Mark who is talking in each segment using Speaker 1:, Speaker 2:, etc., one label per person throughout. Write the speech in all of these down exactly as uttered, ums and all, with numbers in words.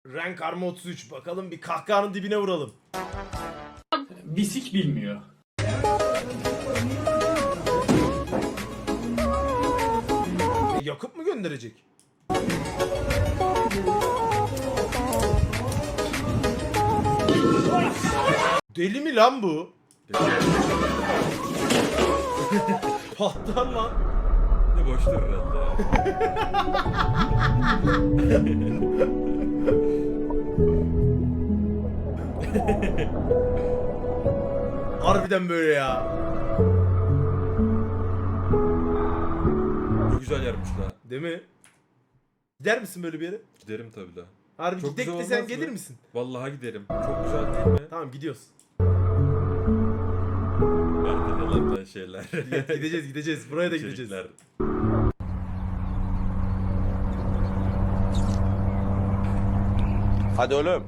Speaker 1: Rank Arma otuz üç. Bakalım bir kahkahanın dibine vuralım.
Speaker 2: Bisik bilmiyor.
Speaker 1: E, Yakup mu gönderecek? Deli mi lan bu? Patlar lan.
Speaker 3: Ne boştur herhalde.
Speaker 1: Harbiden böyle ya.
Speaker 3: Çok güzel yermiş la.
Speaker 1: Değil mi? Gider misin böyle bir yere?
Speaker 3: Giderim tabii la.
Speaker 1: Harbi
Speaker 3: Çok
Speaker 1: gidek
Speaker 3: güzel
Speaker 1: desen
Speaker 3: olmaz
Speaker 1: gelir
Speaker 3: mı?
Speaker 1: misin?
Speaker 3: Vallahi giderim. Çok güzel değil mi?
Speaker 1: Tamam gidiyoruz.
Speaker 3: Bende de lan şeyler.
Speaker 1: Gideceğiz gideceğiz. Buraya da gideceğiz.
Speaker 3: İçerikler.
Speaker 4: Hadi oğlum.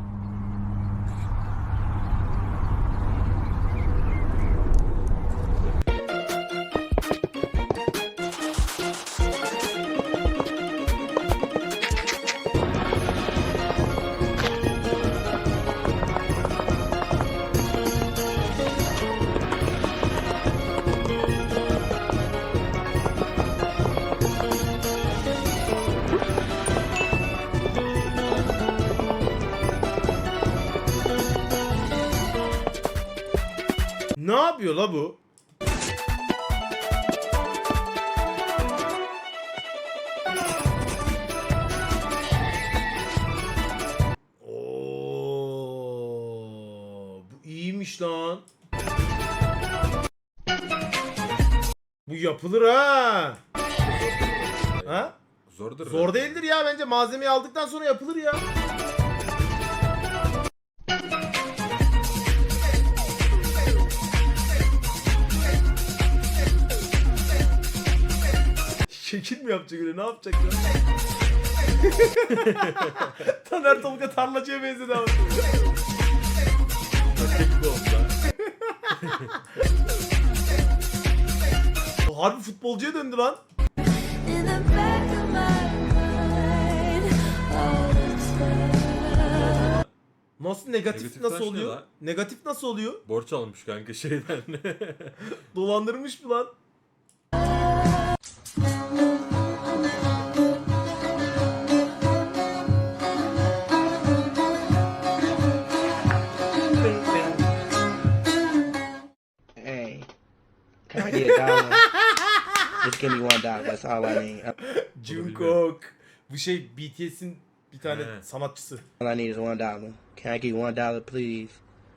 Speaker 1: Ne yapıyor la bu? Oo, bu iyiymiş lan. Bu yapılır ha. Ha?
Speaker 3: Zordur.
Speaker 1: Zor
Speaker 3: herhalde.
Speaker 1: değildir ya, bence malzemeyi aldıktan sonra yapılır ya. Şekil mi yapacak öyle, ne yapacak ya? Taner Tolga tarlacıya benzedi ama.
Speaker 3: Tek bir oldu.
Speaker 1: Harbi futbolcuya döndü lan.
Speaker 5: In the back of my mind all the time.
Speaker 1: Nasıl negatif,
Speaker 3: Negatif
Speaker 1: nasıl
Speaker 3: taş ne
Speaker 1: oluyor?
Speaker 3: lan?
Speaker 1: Negatif nasıl oluyor?
Speaker 3: Borç almış kanka şeyden.
Speaker 1: Dolandırmış mı lan?
Speaker 6: Hey, can I get a dollar? Just give me one dollar. That's all I need.
Speaker 1: Jungkook. Bu şey B T S'in bir tane
Speaker 3: He.
Speaker 1: sanatçısı.
Speaker 6: All I need is one dollar. Can I get one dollar, please?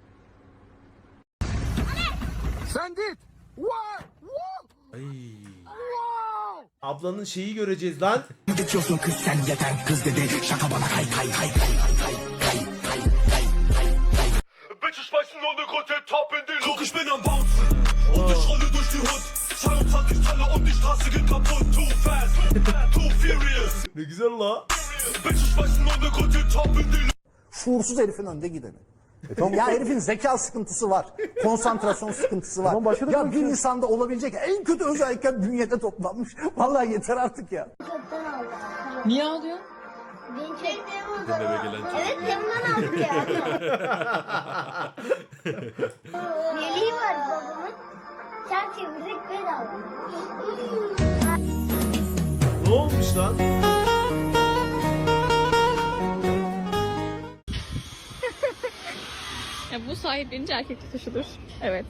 Speaker 3: Ay.
Speaker 1: Ablanın şeyi göreceğiz lan.
Speaker 7: Geçiyorsun kız sen yeter kız dedi şaka bana kay kay kay kay kay kay kay kay kay.
Speaker 8: Bitches schmeißen nur ne Grotte Top in die Luft. Guck, ich bin am Bouncen und ich rolle durch die Hood. zweiundzwanzig Teile und die Straße geht kaputt. Too fast, too furious.
Speaker 1: Ne güzel la.
Speaker 8: Bitches schmeißen nur ne Grotte Top in die Luft.
Speaker 9: Şuursuz herifin önde gideni. Ya herifin zeka sıkıntısı var. Konsantrasyon sıkıntısı var. Ya bir insanda olabilecek en kötü özellikler bünyede toplanmış. Vallahi yeter artık ya.
Speaker 5: Çöpten aldım.
Speaker 10: Niye ağlıyorsun?
Speaker 5: Beni çektiğim o
Speaker 3: Eve
Speaker 5: zaman.
Speaker 3: gelen
Speaker 5: Evet,
Speaker 3: çocuklar.
Speaker 5: camdan aldık ya. Yeleği var babamın. Çark çevirdik bedava.
Speaker 1: Ne olmuş lan?
Speaker 10: Ya bu sahiplenince erkek tutuşudur. Evet.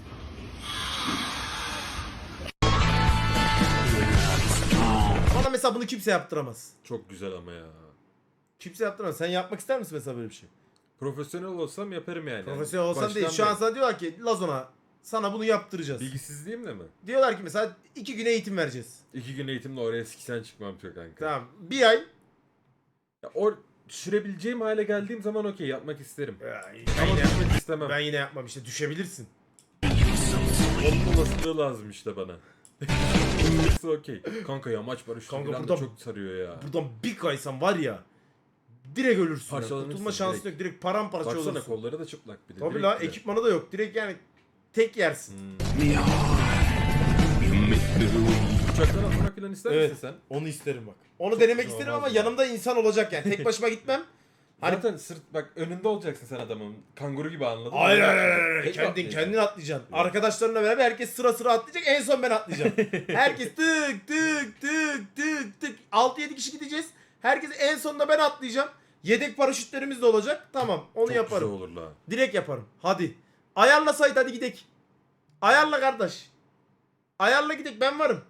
Speaker 1: Bana mesela bunu kimse yaptıramaz.
Speaker 3: Çok güzel ama ya.
Speaker 1: Kimse yaptıramaz. Sen yapmak ister misin mesela böyle bir şey?
Speaker 3: Profesyonel olsam yaparım yani.
Speaker 1: Profesyonel olsan
Speaker 3: Baştan
Speaker 1: değil. Şu an
Speaker 3: beri.
Speaker 1: sana diyorlar ki Lazona sana bunu yaptıracağız.
Speaker 3: Bilgisizliğimle mi?
Speaker 1: Diyorlar ki mesela iki güne eğitim vereceğiz.
Speaker 3: İki gün eğitimle oraya siksen çıkmam çok kanka.
Speaker 1: Tamam. Bir ay.
Speaker 3: Ya or düşürebileceğim hale geldiğim zaman okey yapmak isterim.
Speaker 1: Ben
Speaker 3: Ama
Speaker 1: yine,
Speaker 3: düşmek istemem.
Speaker 1: ben yine yapmam işte, düşebilirsin.
Speaker 3: Onun olasılığı lazım işte bana. Okey. Kanka yamaç barışı
Speaker 1: Kanka
Speaker 3: bir anda
Speaker 1: buradan-
Speaker 3: çok sarıyor ya.
Speaker 1: Buradan bir kaysan var ya, direkt ölürsün. Yani.
Speaker 3: Parçalanırsın
Speaker 1: Kurtulma şansın
Speaker 3: direkt.
Speaker 1: yok. Direkt paramparça
Speaker 3: Baksana
Speaker 1: olursun.
Speaker 3: kolları da çıplak bir de.
Speaker 1: Tabii
Speaker 3: direkt
Speaker 1: la,
Speaker 3: de.
Speaker 1: ekipmanı da yok. Direkt yani tek yersin.
Speaker 3: Hmm. Uçaktan atlamak falan ister
Speaker 1: Evet.
Speaker 3: misin sen?
Speaker 1: Onu isterim bak. Onu denemek
Speaker 3: güzel
Speaker 1: isterim
Speaker 3: olmaz
Speaker 1: ama
Speaker 3: mı?
Speaker 1: yanımda insan olacak yani. Tek başıma gitmem. Hani
Speaker 3: Zaten sırt bak önünde olacaksın sen adamın. Kanguru gibi anladın mı?
Speaker 1: hayır hayır hayır, hayır.
Speaker 3: Tek
Speaker 1: Kendin,
Speaker 3: atlayacaksın.
Speaker 1: kendin atlayacaksın. Arkadaşlarınla beraber herkes sıra sıra atlayacak. En son ben atlayacağım. Herkes tık tık tık tık tık. altı yedi kişi gideceğiz. Herkes en sonunda ben atlayacağım. Yedek paraşütlerimiz de olacak. Tamam onu
Speaker 3: Çok
Speaker 1: yaparım.
Speaker 3: güzel olur la.
Speaker 1: Direkt yaparım. Hadi. Ayarla Sait, hadi gidek. Ayarla kardeş. Ayarla gidek, ben varım.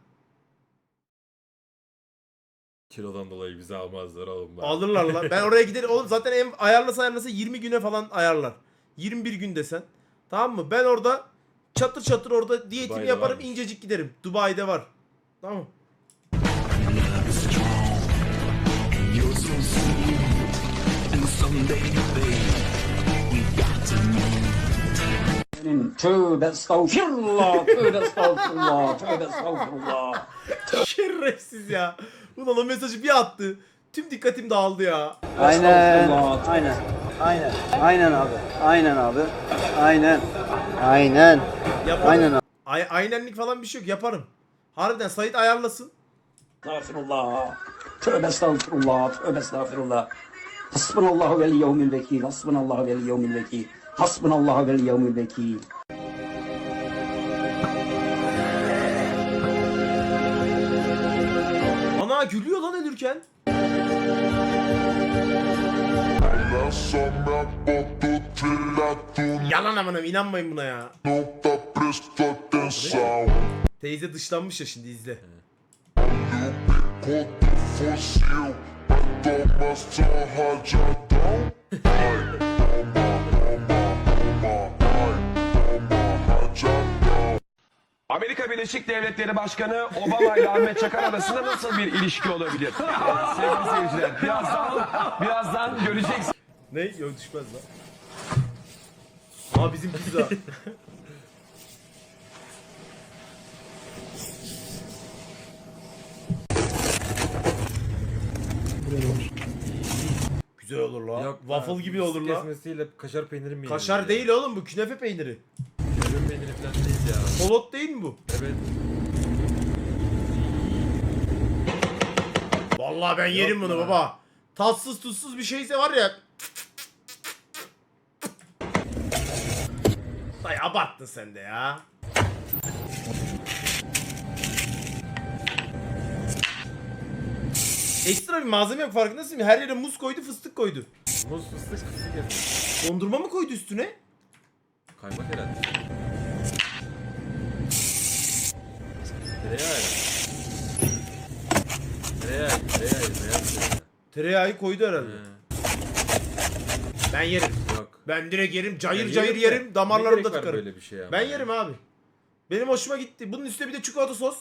Speaker 3: Kilodan dolayı bizi almazlar oğlum. bak.
Speaker 1: Alırlar lan. Ben oraya giderim. Oğlum zaten en ayarlasa ayarlasa yirmi güne falan ayarlar. yirmi bir gün desen. Tamam mı? Ben orada çatır çatır orada diyetimi
Speaker 3: Dubai'de
Speaker 1: yaparım,
Speaker 3: varmış.
Speaker 1: incecik giderim. Dubai'de var. Tamam.
Speaker 7: You're so sweet, and someday, babe, we got to meet.
Speaker 2: Tövbe estağfirullah, tövbe estağfirullah, tövbe estağfirullah.
Speaker 1: Şerefsiz ya. Ulan o mesajı bir attı. Tüm dikkatim dağıldı ya.
Speaker 4: Aynen, aynen, aynen, aynen abi, aynen abi, aynen, aynen,
Speaker 1: Yaparım.
Speaker 4: aynen abi.
Speaker 1: Ay aynenlik falan bir şey yok, yaparım. Harbiden Sait ayarlasın.
Speaker 2: Estağfirullah, tövbe estağfirullah, tövbe estağfirullah. Hasbunallahu vel yevmil vekil, hasbunallahu vel yevmil vekil, hasbunallahu vel yevmil vekil.
Speaker 1: Ana gülüyor lan ölürken.
Speaker 8: La sombra botto trillato,
Speaker 1: Yalan amanım, inanmayın buna ya.
Speaker 8: nota presto atenção.
Speaker 1: Teyze dışlanmış ya, şimdi izle.
Speaker 8: Contra o fuzil, toma só rajadão. Ai, toma, toma, toma, ai, toma rajadão.
Speaker 11: Amerika Birleşik Devletleri Başkanı Obama ile Ahmet Çakar arasında nasıl bir ilişki olabilir? Evet, sevgili seyirciler, birazdan, birazdan göreceksiniz.
Speaker 1: Ne? Yok düşmez lan. Aa bizim pizza. Güzel olur la.
Speaker 3: Yok,
Speaker 1: Waffle
Speaker 3: ha,
Speaker 1: gibi olur la.
Speaker 3: Kesmesiyle kaşar peyniri mi
Speaker 1: Kaşar
Speaker 3: yenir
Speaker 1: değil oğlum, bu künefe peyniri.
Speaker 3: ya? Kömür peyniri falan değil ya.
Speaker 1: Polot değil mi bu?
Speaker 3: Evet.
Speaker 1: Vallahi ben yerim bunu
Speaker 3: ya.
Speaker 1: baba. Tatsız tuzsuz bir şeyse var ya. Dayı abarttın sen de ya. Ekstra bir malzeme yok, farkındasın mı? Her yere muz koydu, fıstık koydu.
Speaker 3: Muz fıstık fıstık yedim.
Speaker 1: Dondurma mı koydu üstüne?
Speaker 3: Kaymak herhalde. Tereyağı herhalde. Tereyağı, tereyağı, tereyağı.
Speaker 1: Tereyağı koydu herhalde.
Speaker 3: He,
Speaker 1: Ben yerim.
Speaker 3: Yok.
Speaker 1: Ben direkt yerim. Cayır
Speaker 3: Ya
Speaker 1: cayır
Speaker 3: de,
Speaker 1: yerim. Damarlarımda
Speaker 3: ne gerek var
Speaker 1: tıkarım.
Speaker 3: böyle bir şey ama
Speaker 1: Ben
Speaker 3: ya?
Speaker 1: yerim abi. Benim hoşuma gitti. Bunun üstüne bir de çikolata sos.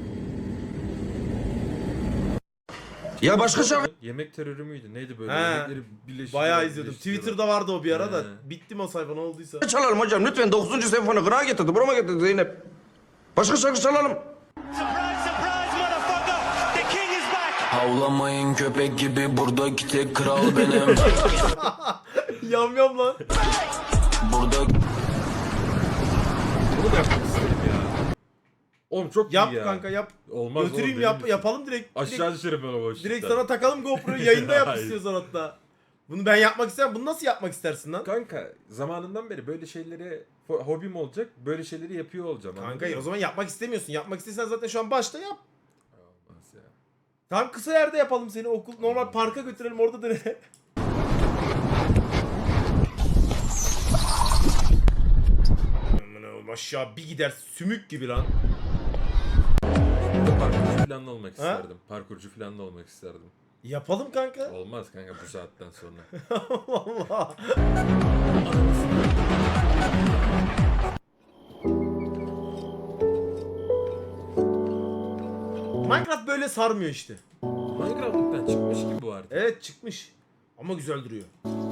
Speaker 11: Ya başka şarkı...
Speaker 3: Yemek terörü müydü? Neydi böyle?
Speaker 1: He.
Speaker 3: Yemekleri birleştiriyorlar,
Speaker 1: Bayağı izledim.
Speaker 3: birleştiriyorlar.
Speaker 1: Twitter'da vardı o bir ara da.
Speaker 3: He.
Speaker 1: Bittim o sayfa, ne olduysa.
Speaker 11: çalalım hocam lütfen dokuzuncu senfoni kırağa getirdi, burama getirdi Zeynep. Başka şarkı çalalım.
Speaker 7: Havlamayın köpek gibi, buradaki tek kral benim.
Speaker 1: Yam yam lan.
Speaker 7: Burada
Speaker 3: Bunu da yapmak istedim ya. Oğlum çok
Speaker 1: Yap
Speaker 3: iyi ya.
Speaker 1: kanka yap.
Speaker 3: Olmaz
Speaker 1: Götüreyim
Speaker 3: oğlum,
Speaker 1: yap,
Speaker 3: benim
Speaker 1: yapalım direkt.
Speaker 3: Aşağı
Speaker 1: direkt,
Speaker 3: düşerim ben o boşluktan.
Speaker 1: direkt sana takalım GoPro'yu, yayında yap
Speaker 3: Hayır.
Speaker 1: istiyorsan hatta. Bunu ben yapmak istemem. Bunu nasıl yapmak istersin lan?
Speaker 3: Kanka zamanından beri böyle şeyleri ho- hobim olacak. Böyle şeyleri yapıyor olacağım.
Speaker 1: Kanka
Speaker 3: anladın
Speaker 1: o
Speaker 3: mı?
Speaker 1: zaman yapmak istemiyorsun. Yapmak istesen zaten şu an başta yap.
Speaker 3: Olmaz ya.
Speaker 1: Tamam, kısa yerde yapalım seni. Okul normal parka götürelim, orada dene. Aman oğlum, aşağı bir gider sümük gibi lan.
Speaker 3: Parkurcu falan da olmak
Speaker 1: Ha?
Speaker 3: isterdim. Parkurcu falan da olmak isterdim.
Speaker 1: Yapalım kanka.
Speaker 3: Olmaz kanka bu saatten sonra.
Speaker 1: Allah. Minecraft böyle sarmıyor işte.
Speaker 3: Minecraft'tan çıkmış gibi bu artık.
Speaker 1: Evet çıkmış. Ama güzel duruyor.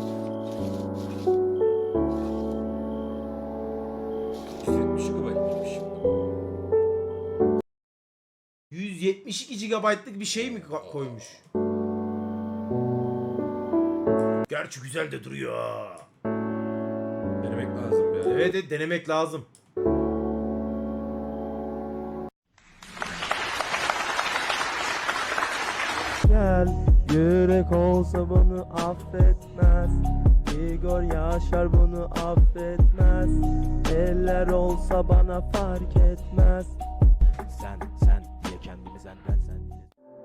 Speaker 3: yüz yetmiş gigabaytmış şimdi bu.
Speaker 1: yüz yetmiş iki gigabaytlık bir şey mi ka- koymuş? Gerçi güzel de duruyor. ha.
Speaker 3: Denemek lazım ya.
Speaker 1: Evet, evet denemek lazım.
Speaker 9: Gel.
Speaker 4: Yürek olsa bunu affetmez. Igor Yaşar bunu affetmez. Eller olsa bana fark etmez. Sen sen diye kendimi senden sen diye.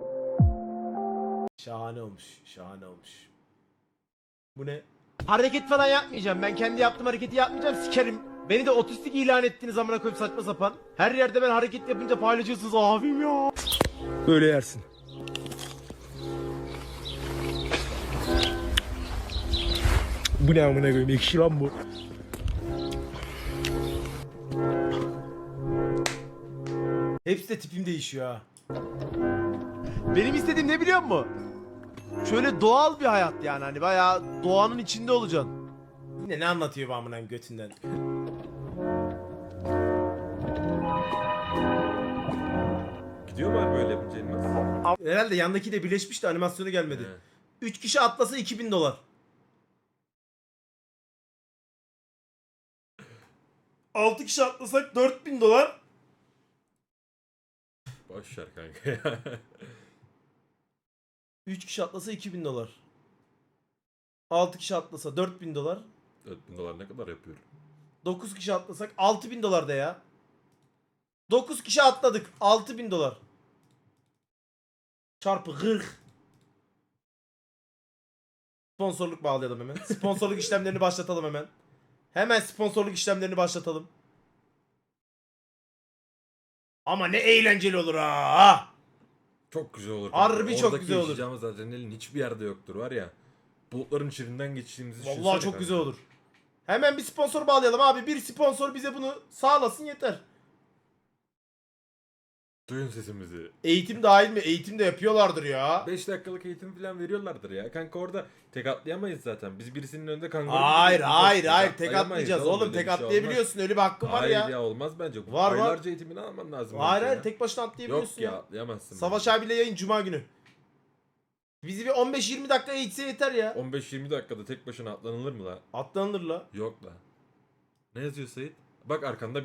Speaker 1: Şahane olmuş. Şahane olmuş. Bu ne? Hareket falan yapmayacağım. Ben kendi yaptığım hareketi yapmayacağım. Sikerim. Beni de otistik ilan ettiğiniz zamana koyup saçma sapan. Her yerde ben hareket yapınca paylaşıyorsunuz abim ya.
Speaker 8: Böyle yersin. Bu ne amına koyayım? Ekşi lan bu.
Speaker 1: Hepsi de tipim değişiyor ha. Benim istediğim ne biliyor musun? Şöyle doğal bir hayat yani hani bayağı doğanın içinde olacaksın. Yine ne anlatıyor bu amına götünden?
Speaker 3: Gidiyor mu abi böyle yapınca inmez?
Speaker 1: Herhalde yandaki de birleşmiş de animasyonu gelmedi.
Speaker 3: He.
Speaker 1: üç kişi atlasa iki bin dolar. altı kişi atlasak dört bin dolar.
Speaker 3: Boş ver kanka ya.
Speaker 1: üç kişi atlasa iki bin dolar. altı kişi atlasa dört bin dolar.
Speaker 3: dört bin dolar ne kadar yapıyor?
Speaker 1: dokuz kişi atlasak altı bin dolar da ya. dokuz kişi atladık. altı bin dolar. Çarpı kırk. Sponsorluk bağlayalım hemen. Sponsorluk işlemlerini başlatalım hemen. Hemen sponsorluk işlemlerini başlatalım. Ama ne eğlenceli olur ha.
Speaker 3: Çok güzel olur.
Speaker 1: Harbi çok
Speaker 3: Oradaki
Speaker 1: güzel olur.
Speaker 3: yaşayacağımız adrenalin hiçbir yerde yoktur var ya. Bulutların içinden geçtiğimizi
Speaker 1: Vallahi
Speaker 3: düşünsene
Speaker 1: çok
Speaker 3: kanka.
Speaker 1: güzel olur. Hemen bir sponsor bağlayalım abi. Bir sponsor bize bunu sağlasın yeter.
Speaker 3: Duyun sesimizi.
Speaker 1: Eğitim dahil mi? Eğitim de yapıyorlardır ya.
Speaker 3: beş dakikalık eğitim falan veriyorlardır ya. Kanka orada tek atlayamayız zaten. Biz birisinin önünde kanguru
Speaker 1: Hayır
Speaker 3: gibi
Speaker 1: hayır
Speaker 3: gideceğiz.
Speaker 1: hayır tek
Speaker 3: Atlayamayız
Speaker 1: atlayacağız oğlum
Speaker 3: öyle
Speaker 1: tek
Speaker 3: bir şey olmaz.
Speaker 1: atlayabiliyorsun öyle bir hakkın var
Speaker 3: Hayır
Speaker 1: ya.
Speaker 3: ya olmaz bence.
Speaker 1: Var, var.
Speaker 3: Aylarca eğitimini alman lazım.
Speaker 1: Hayır
Speaker 3: bence
Speaker 1: hayır
Speaker 3: ya.
Speaker 1: tek başına atlayabiliyorsun
Speaker 3: Yok ya
Speaker 1: ya.
Speaker 3: atlayamazsın.
Speaker 1: Savaş
Speaker 3: bence.
Speaker 1: abiyle yayın cuma günü. Bizi bir on beş yirmi dakika eğitse yeter ya.
Speaker 3: on beş yirmi dakikada tek başına atlanılır mı la?
Speaker 1: Atlanır la.
Speaker 3: Yok la. Ne yazıyor Sait? Bak arkanda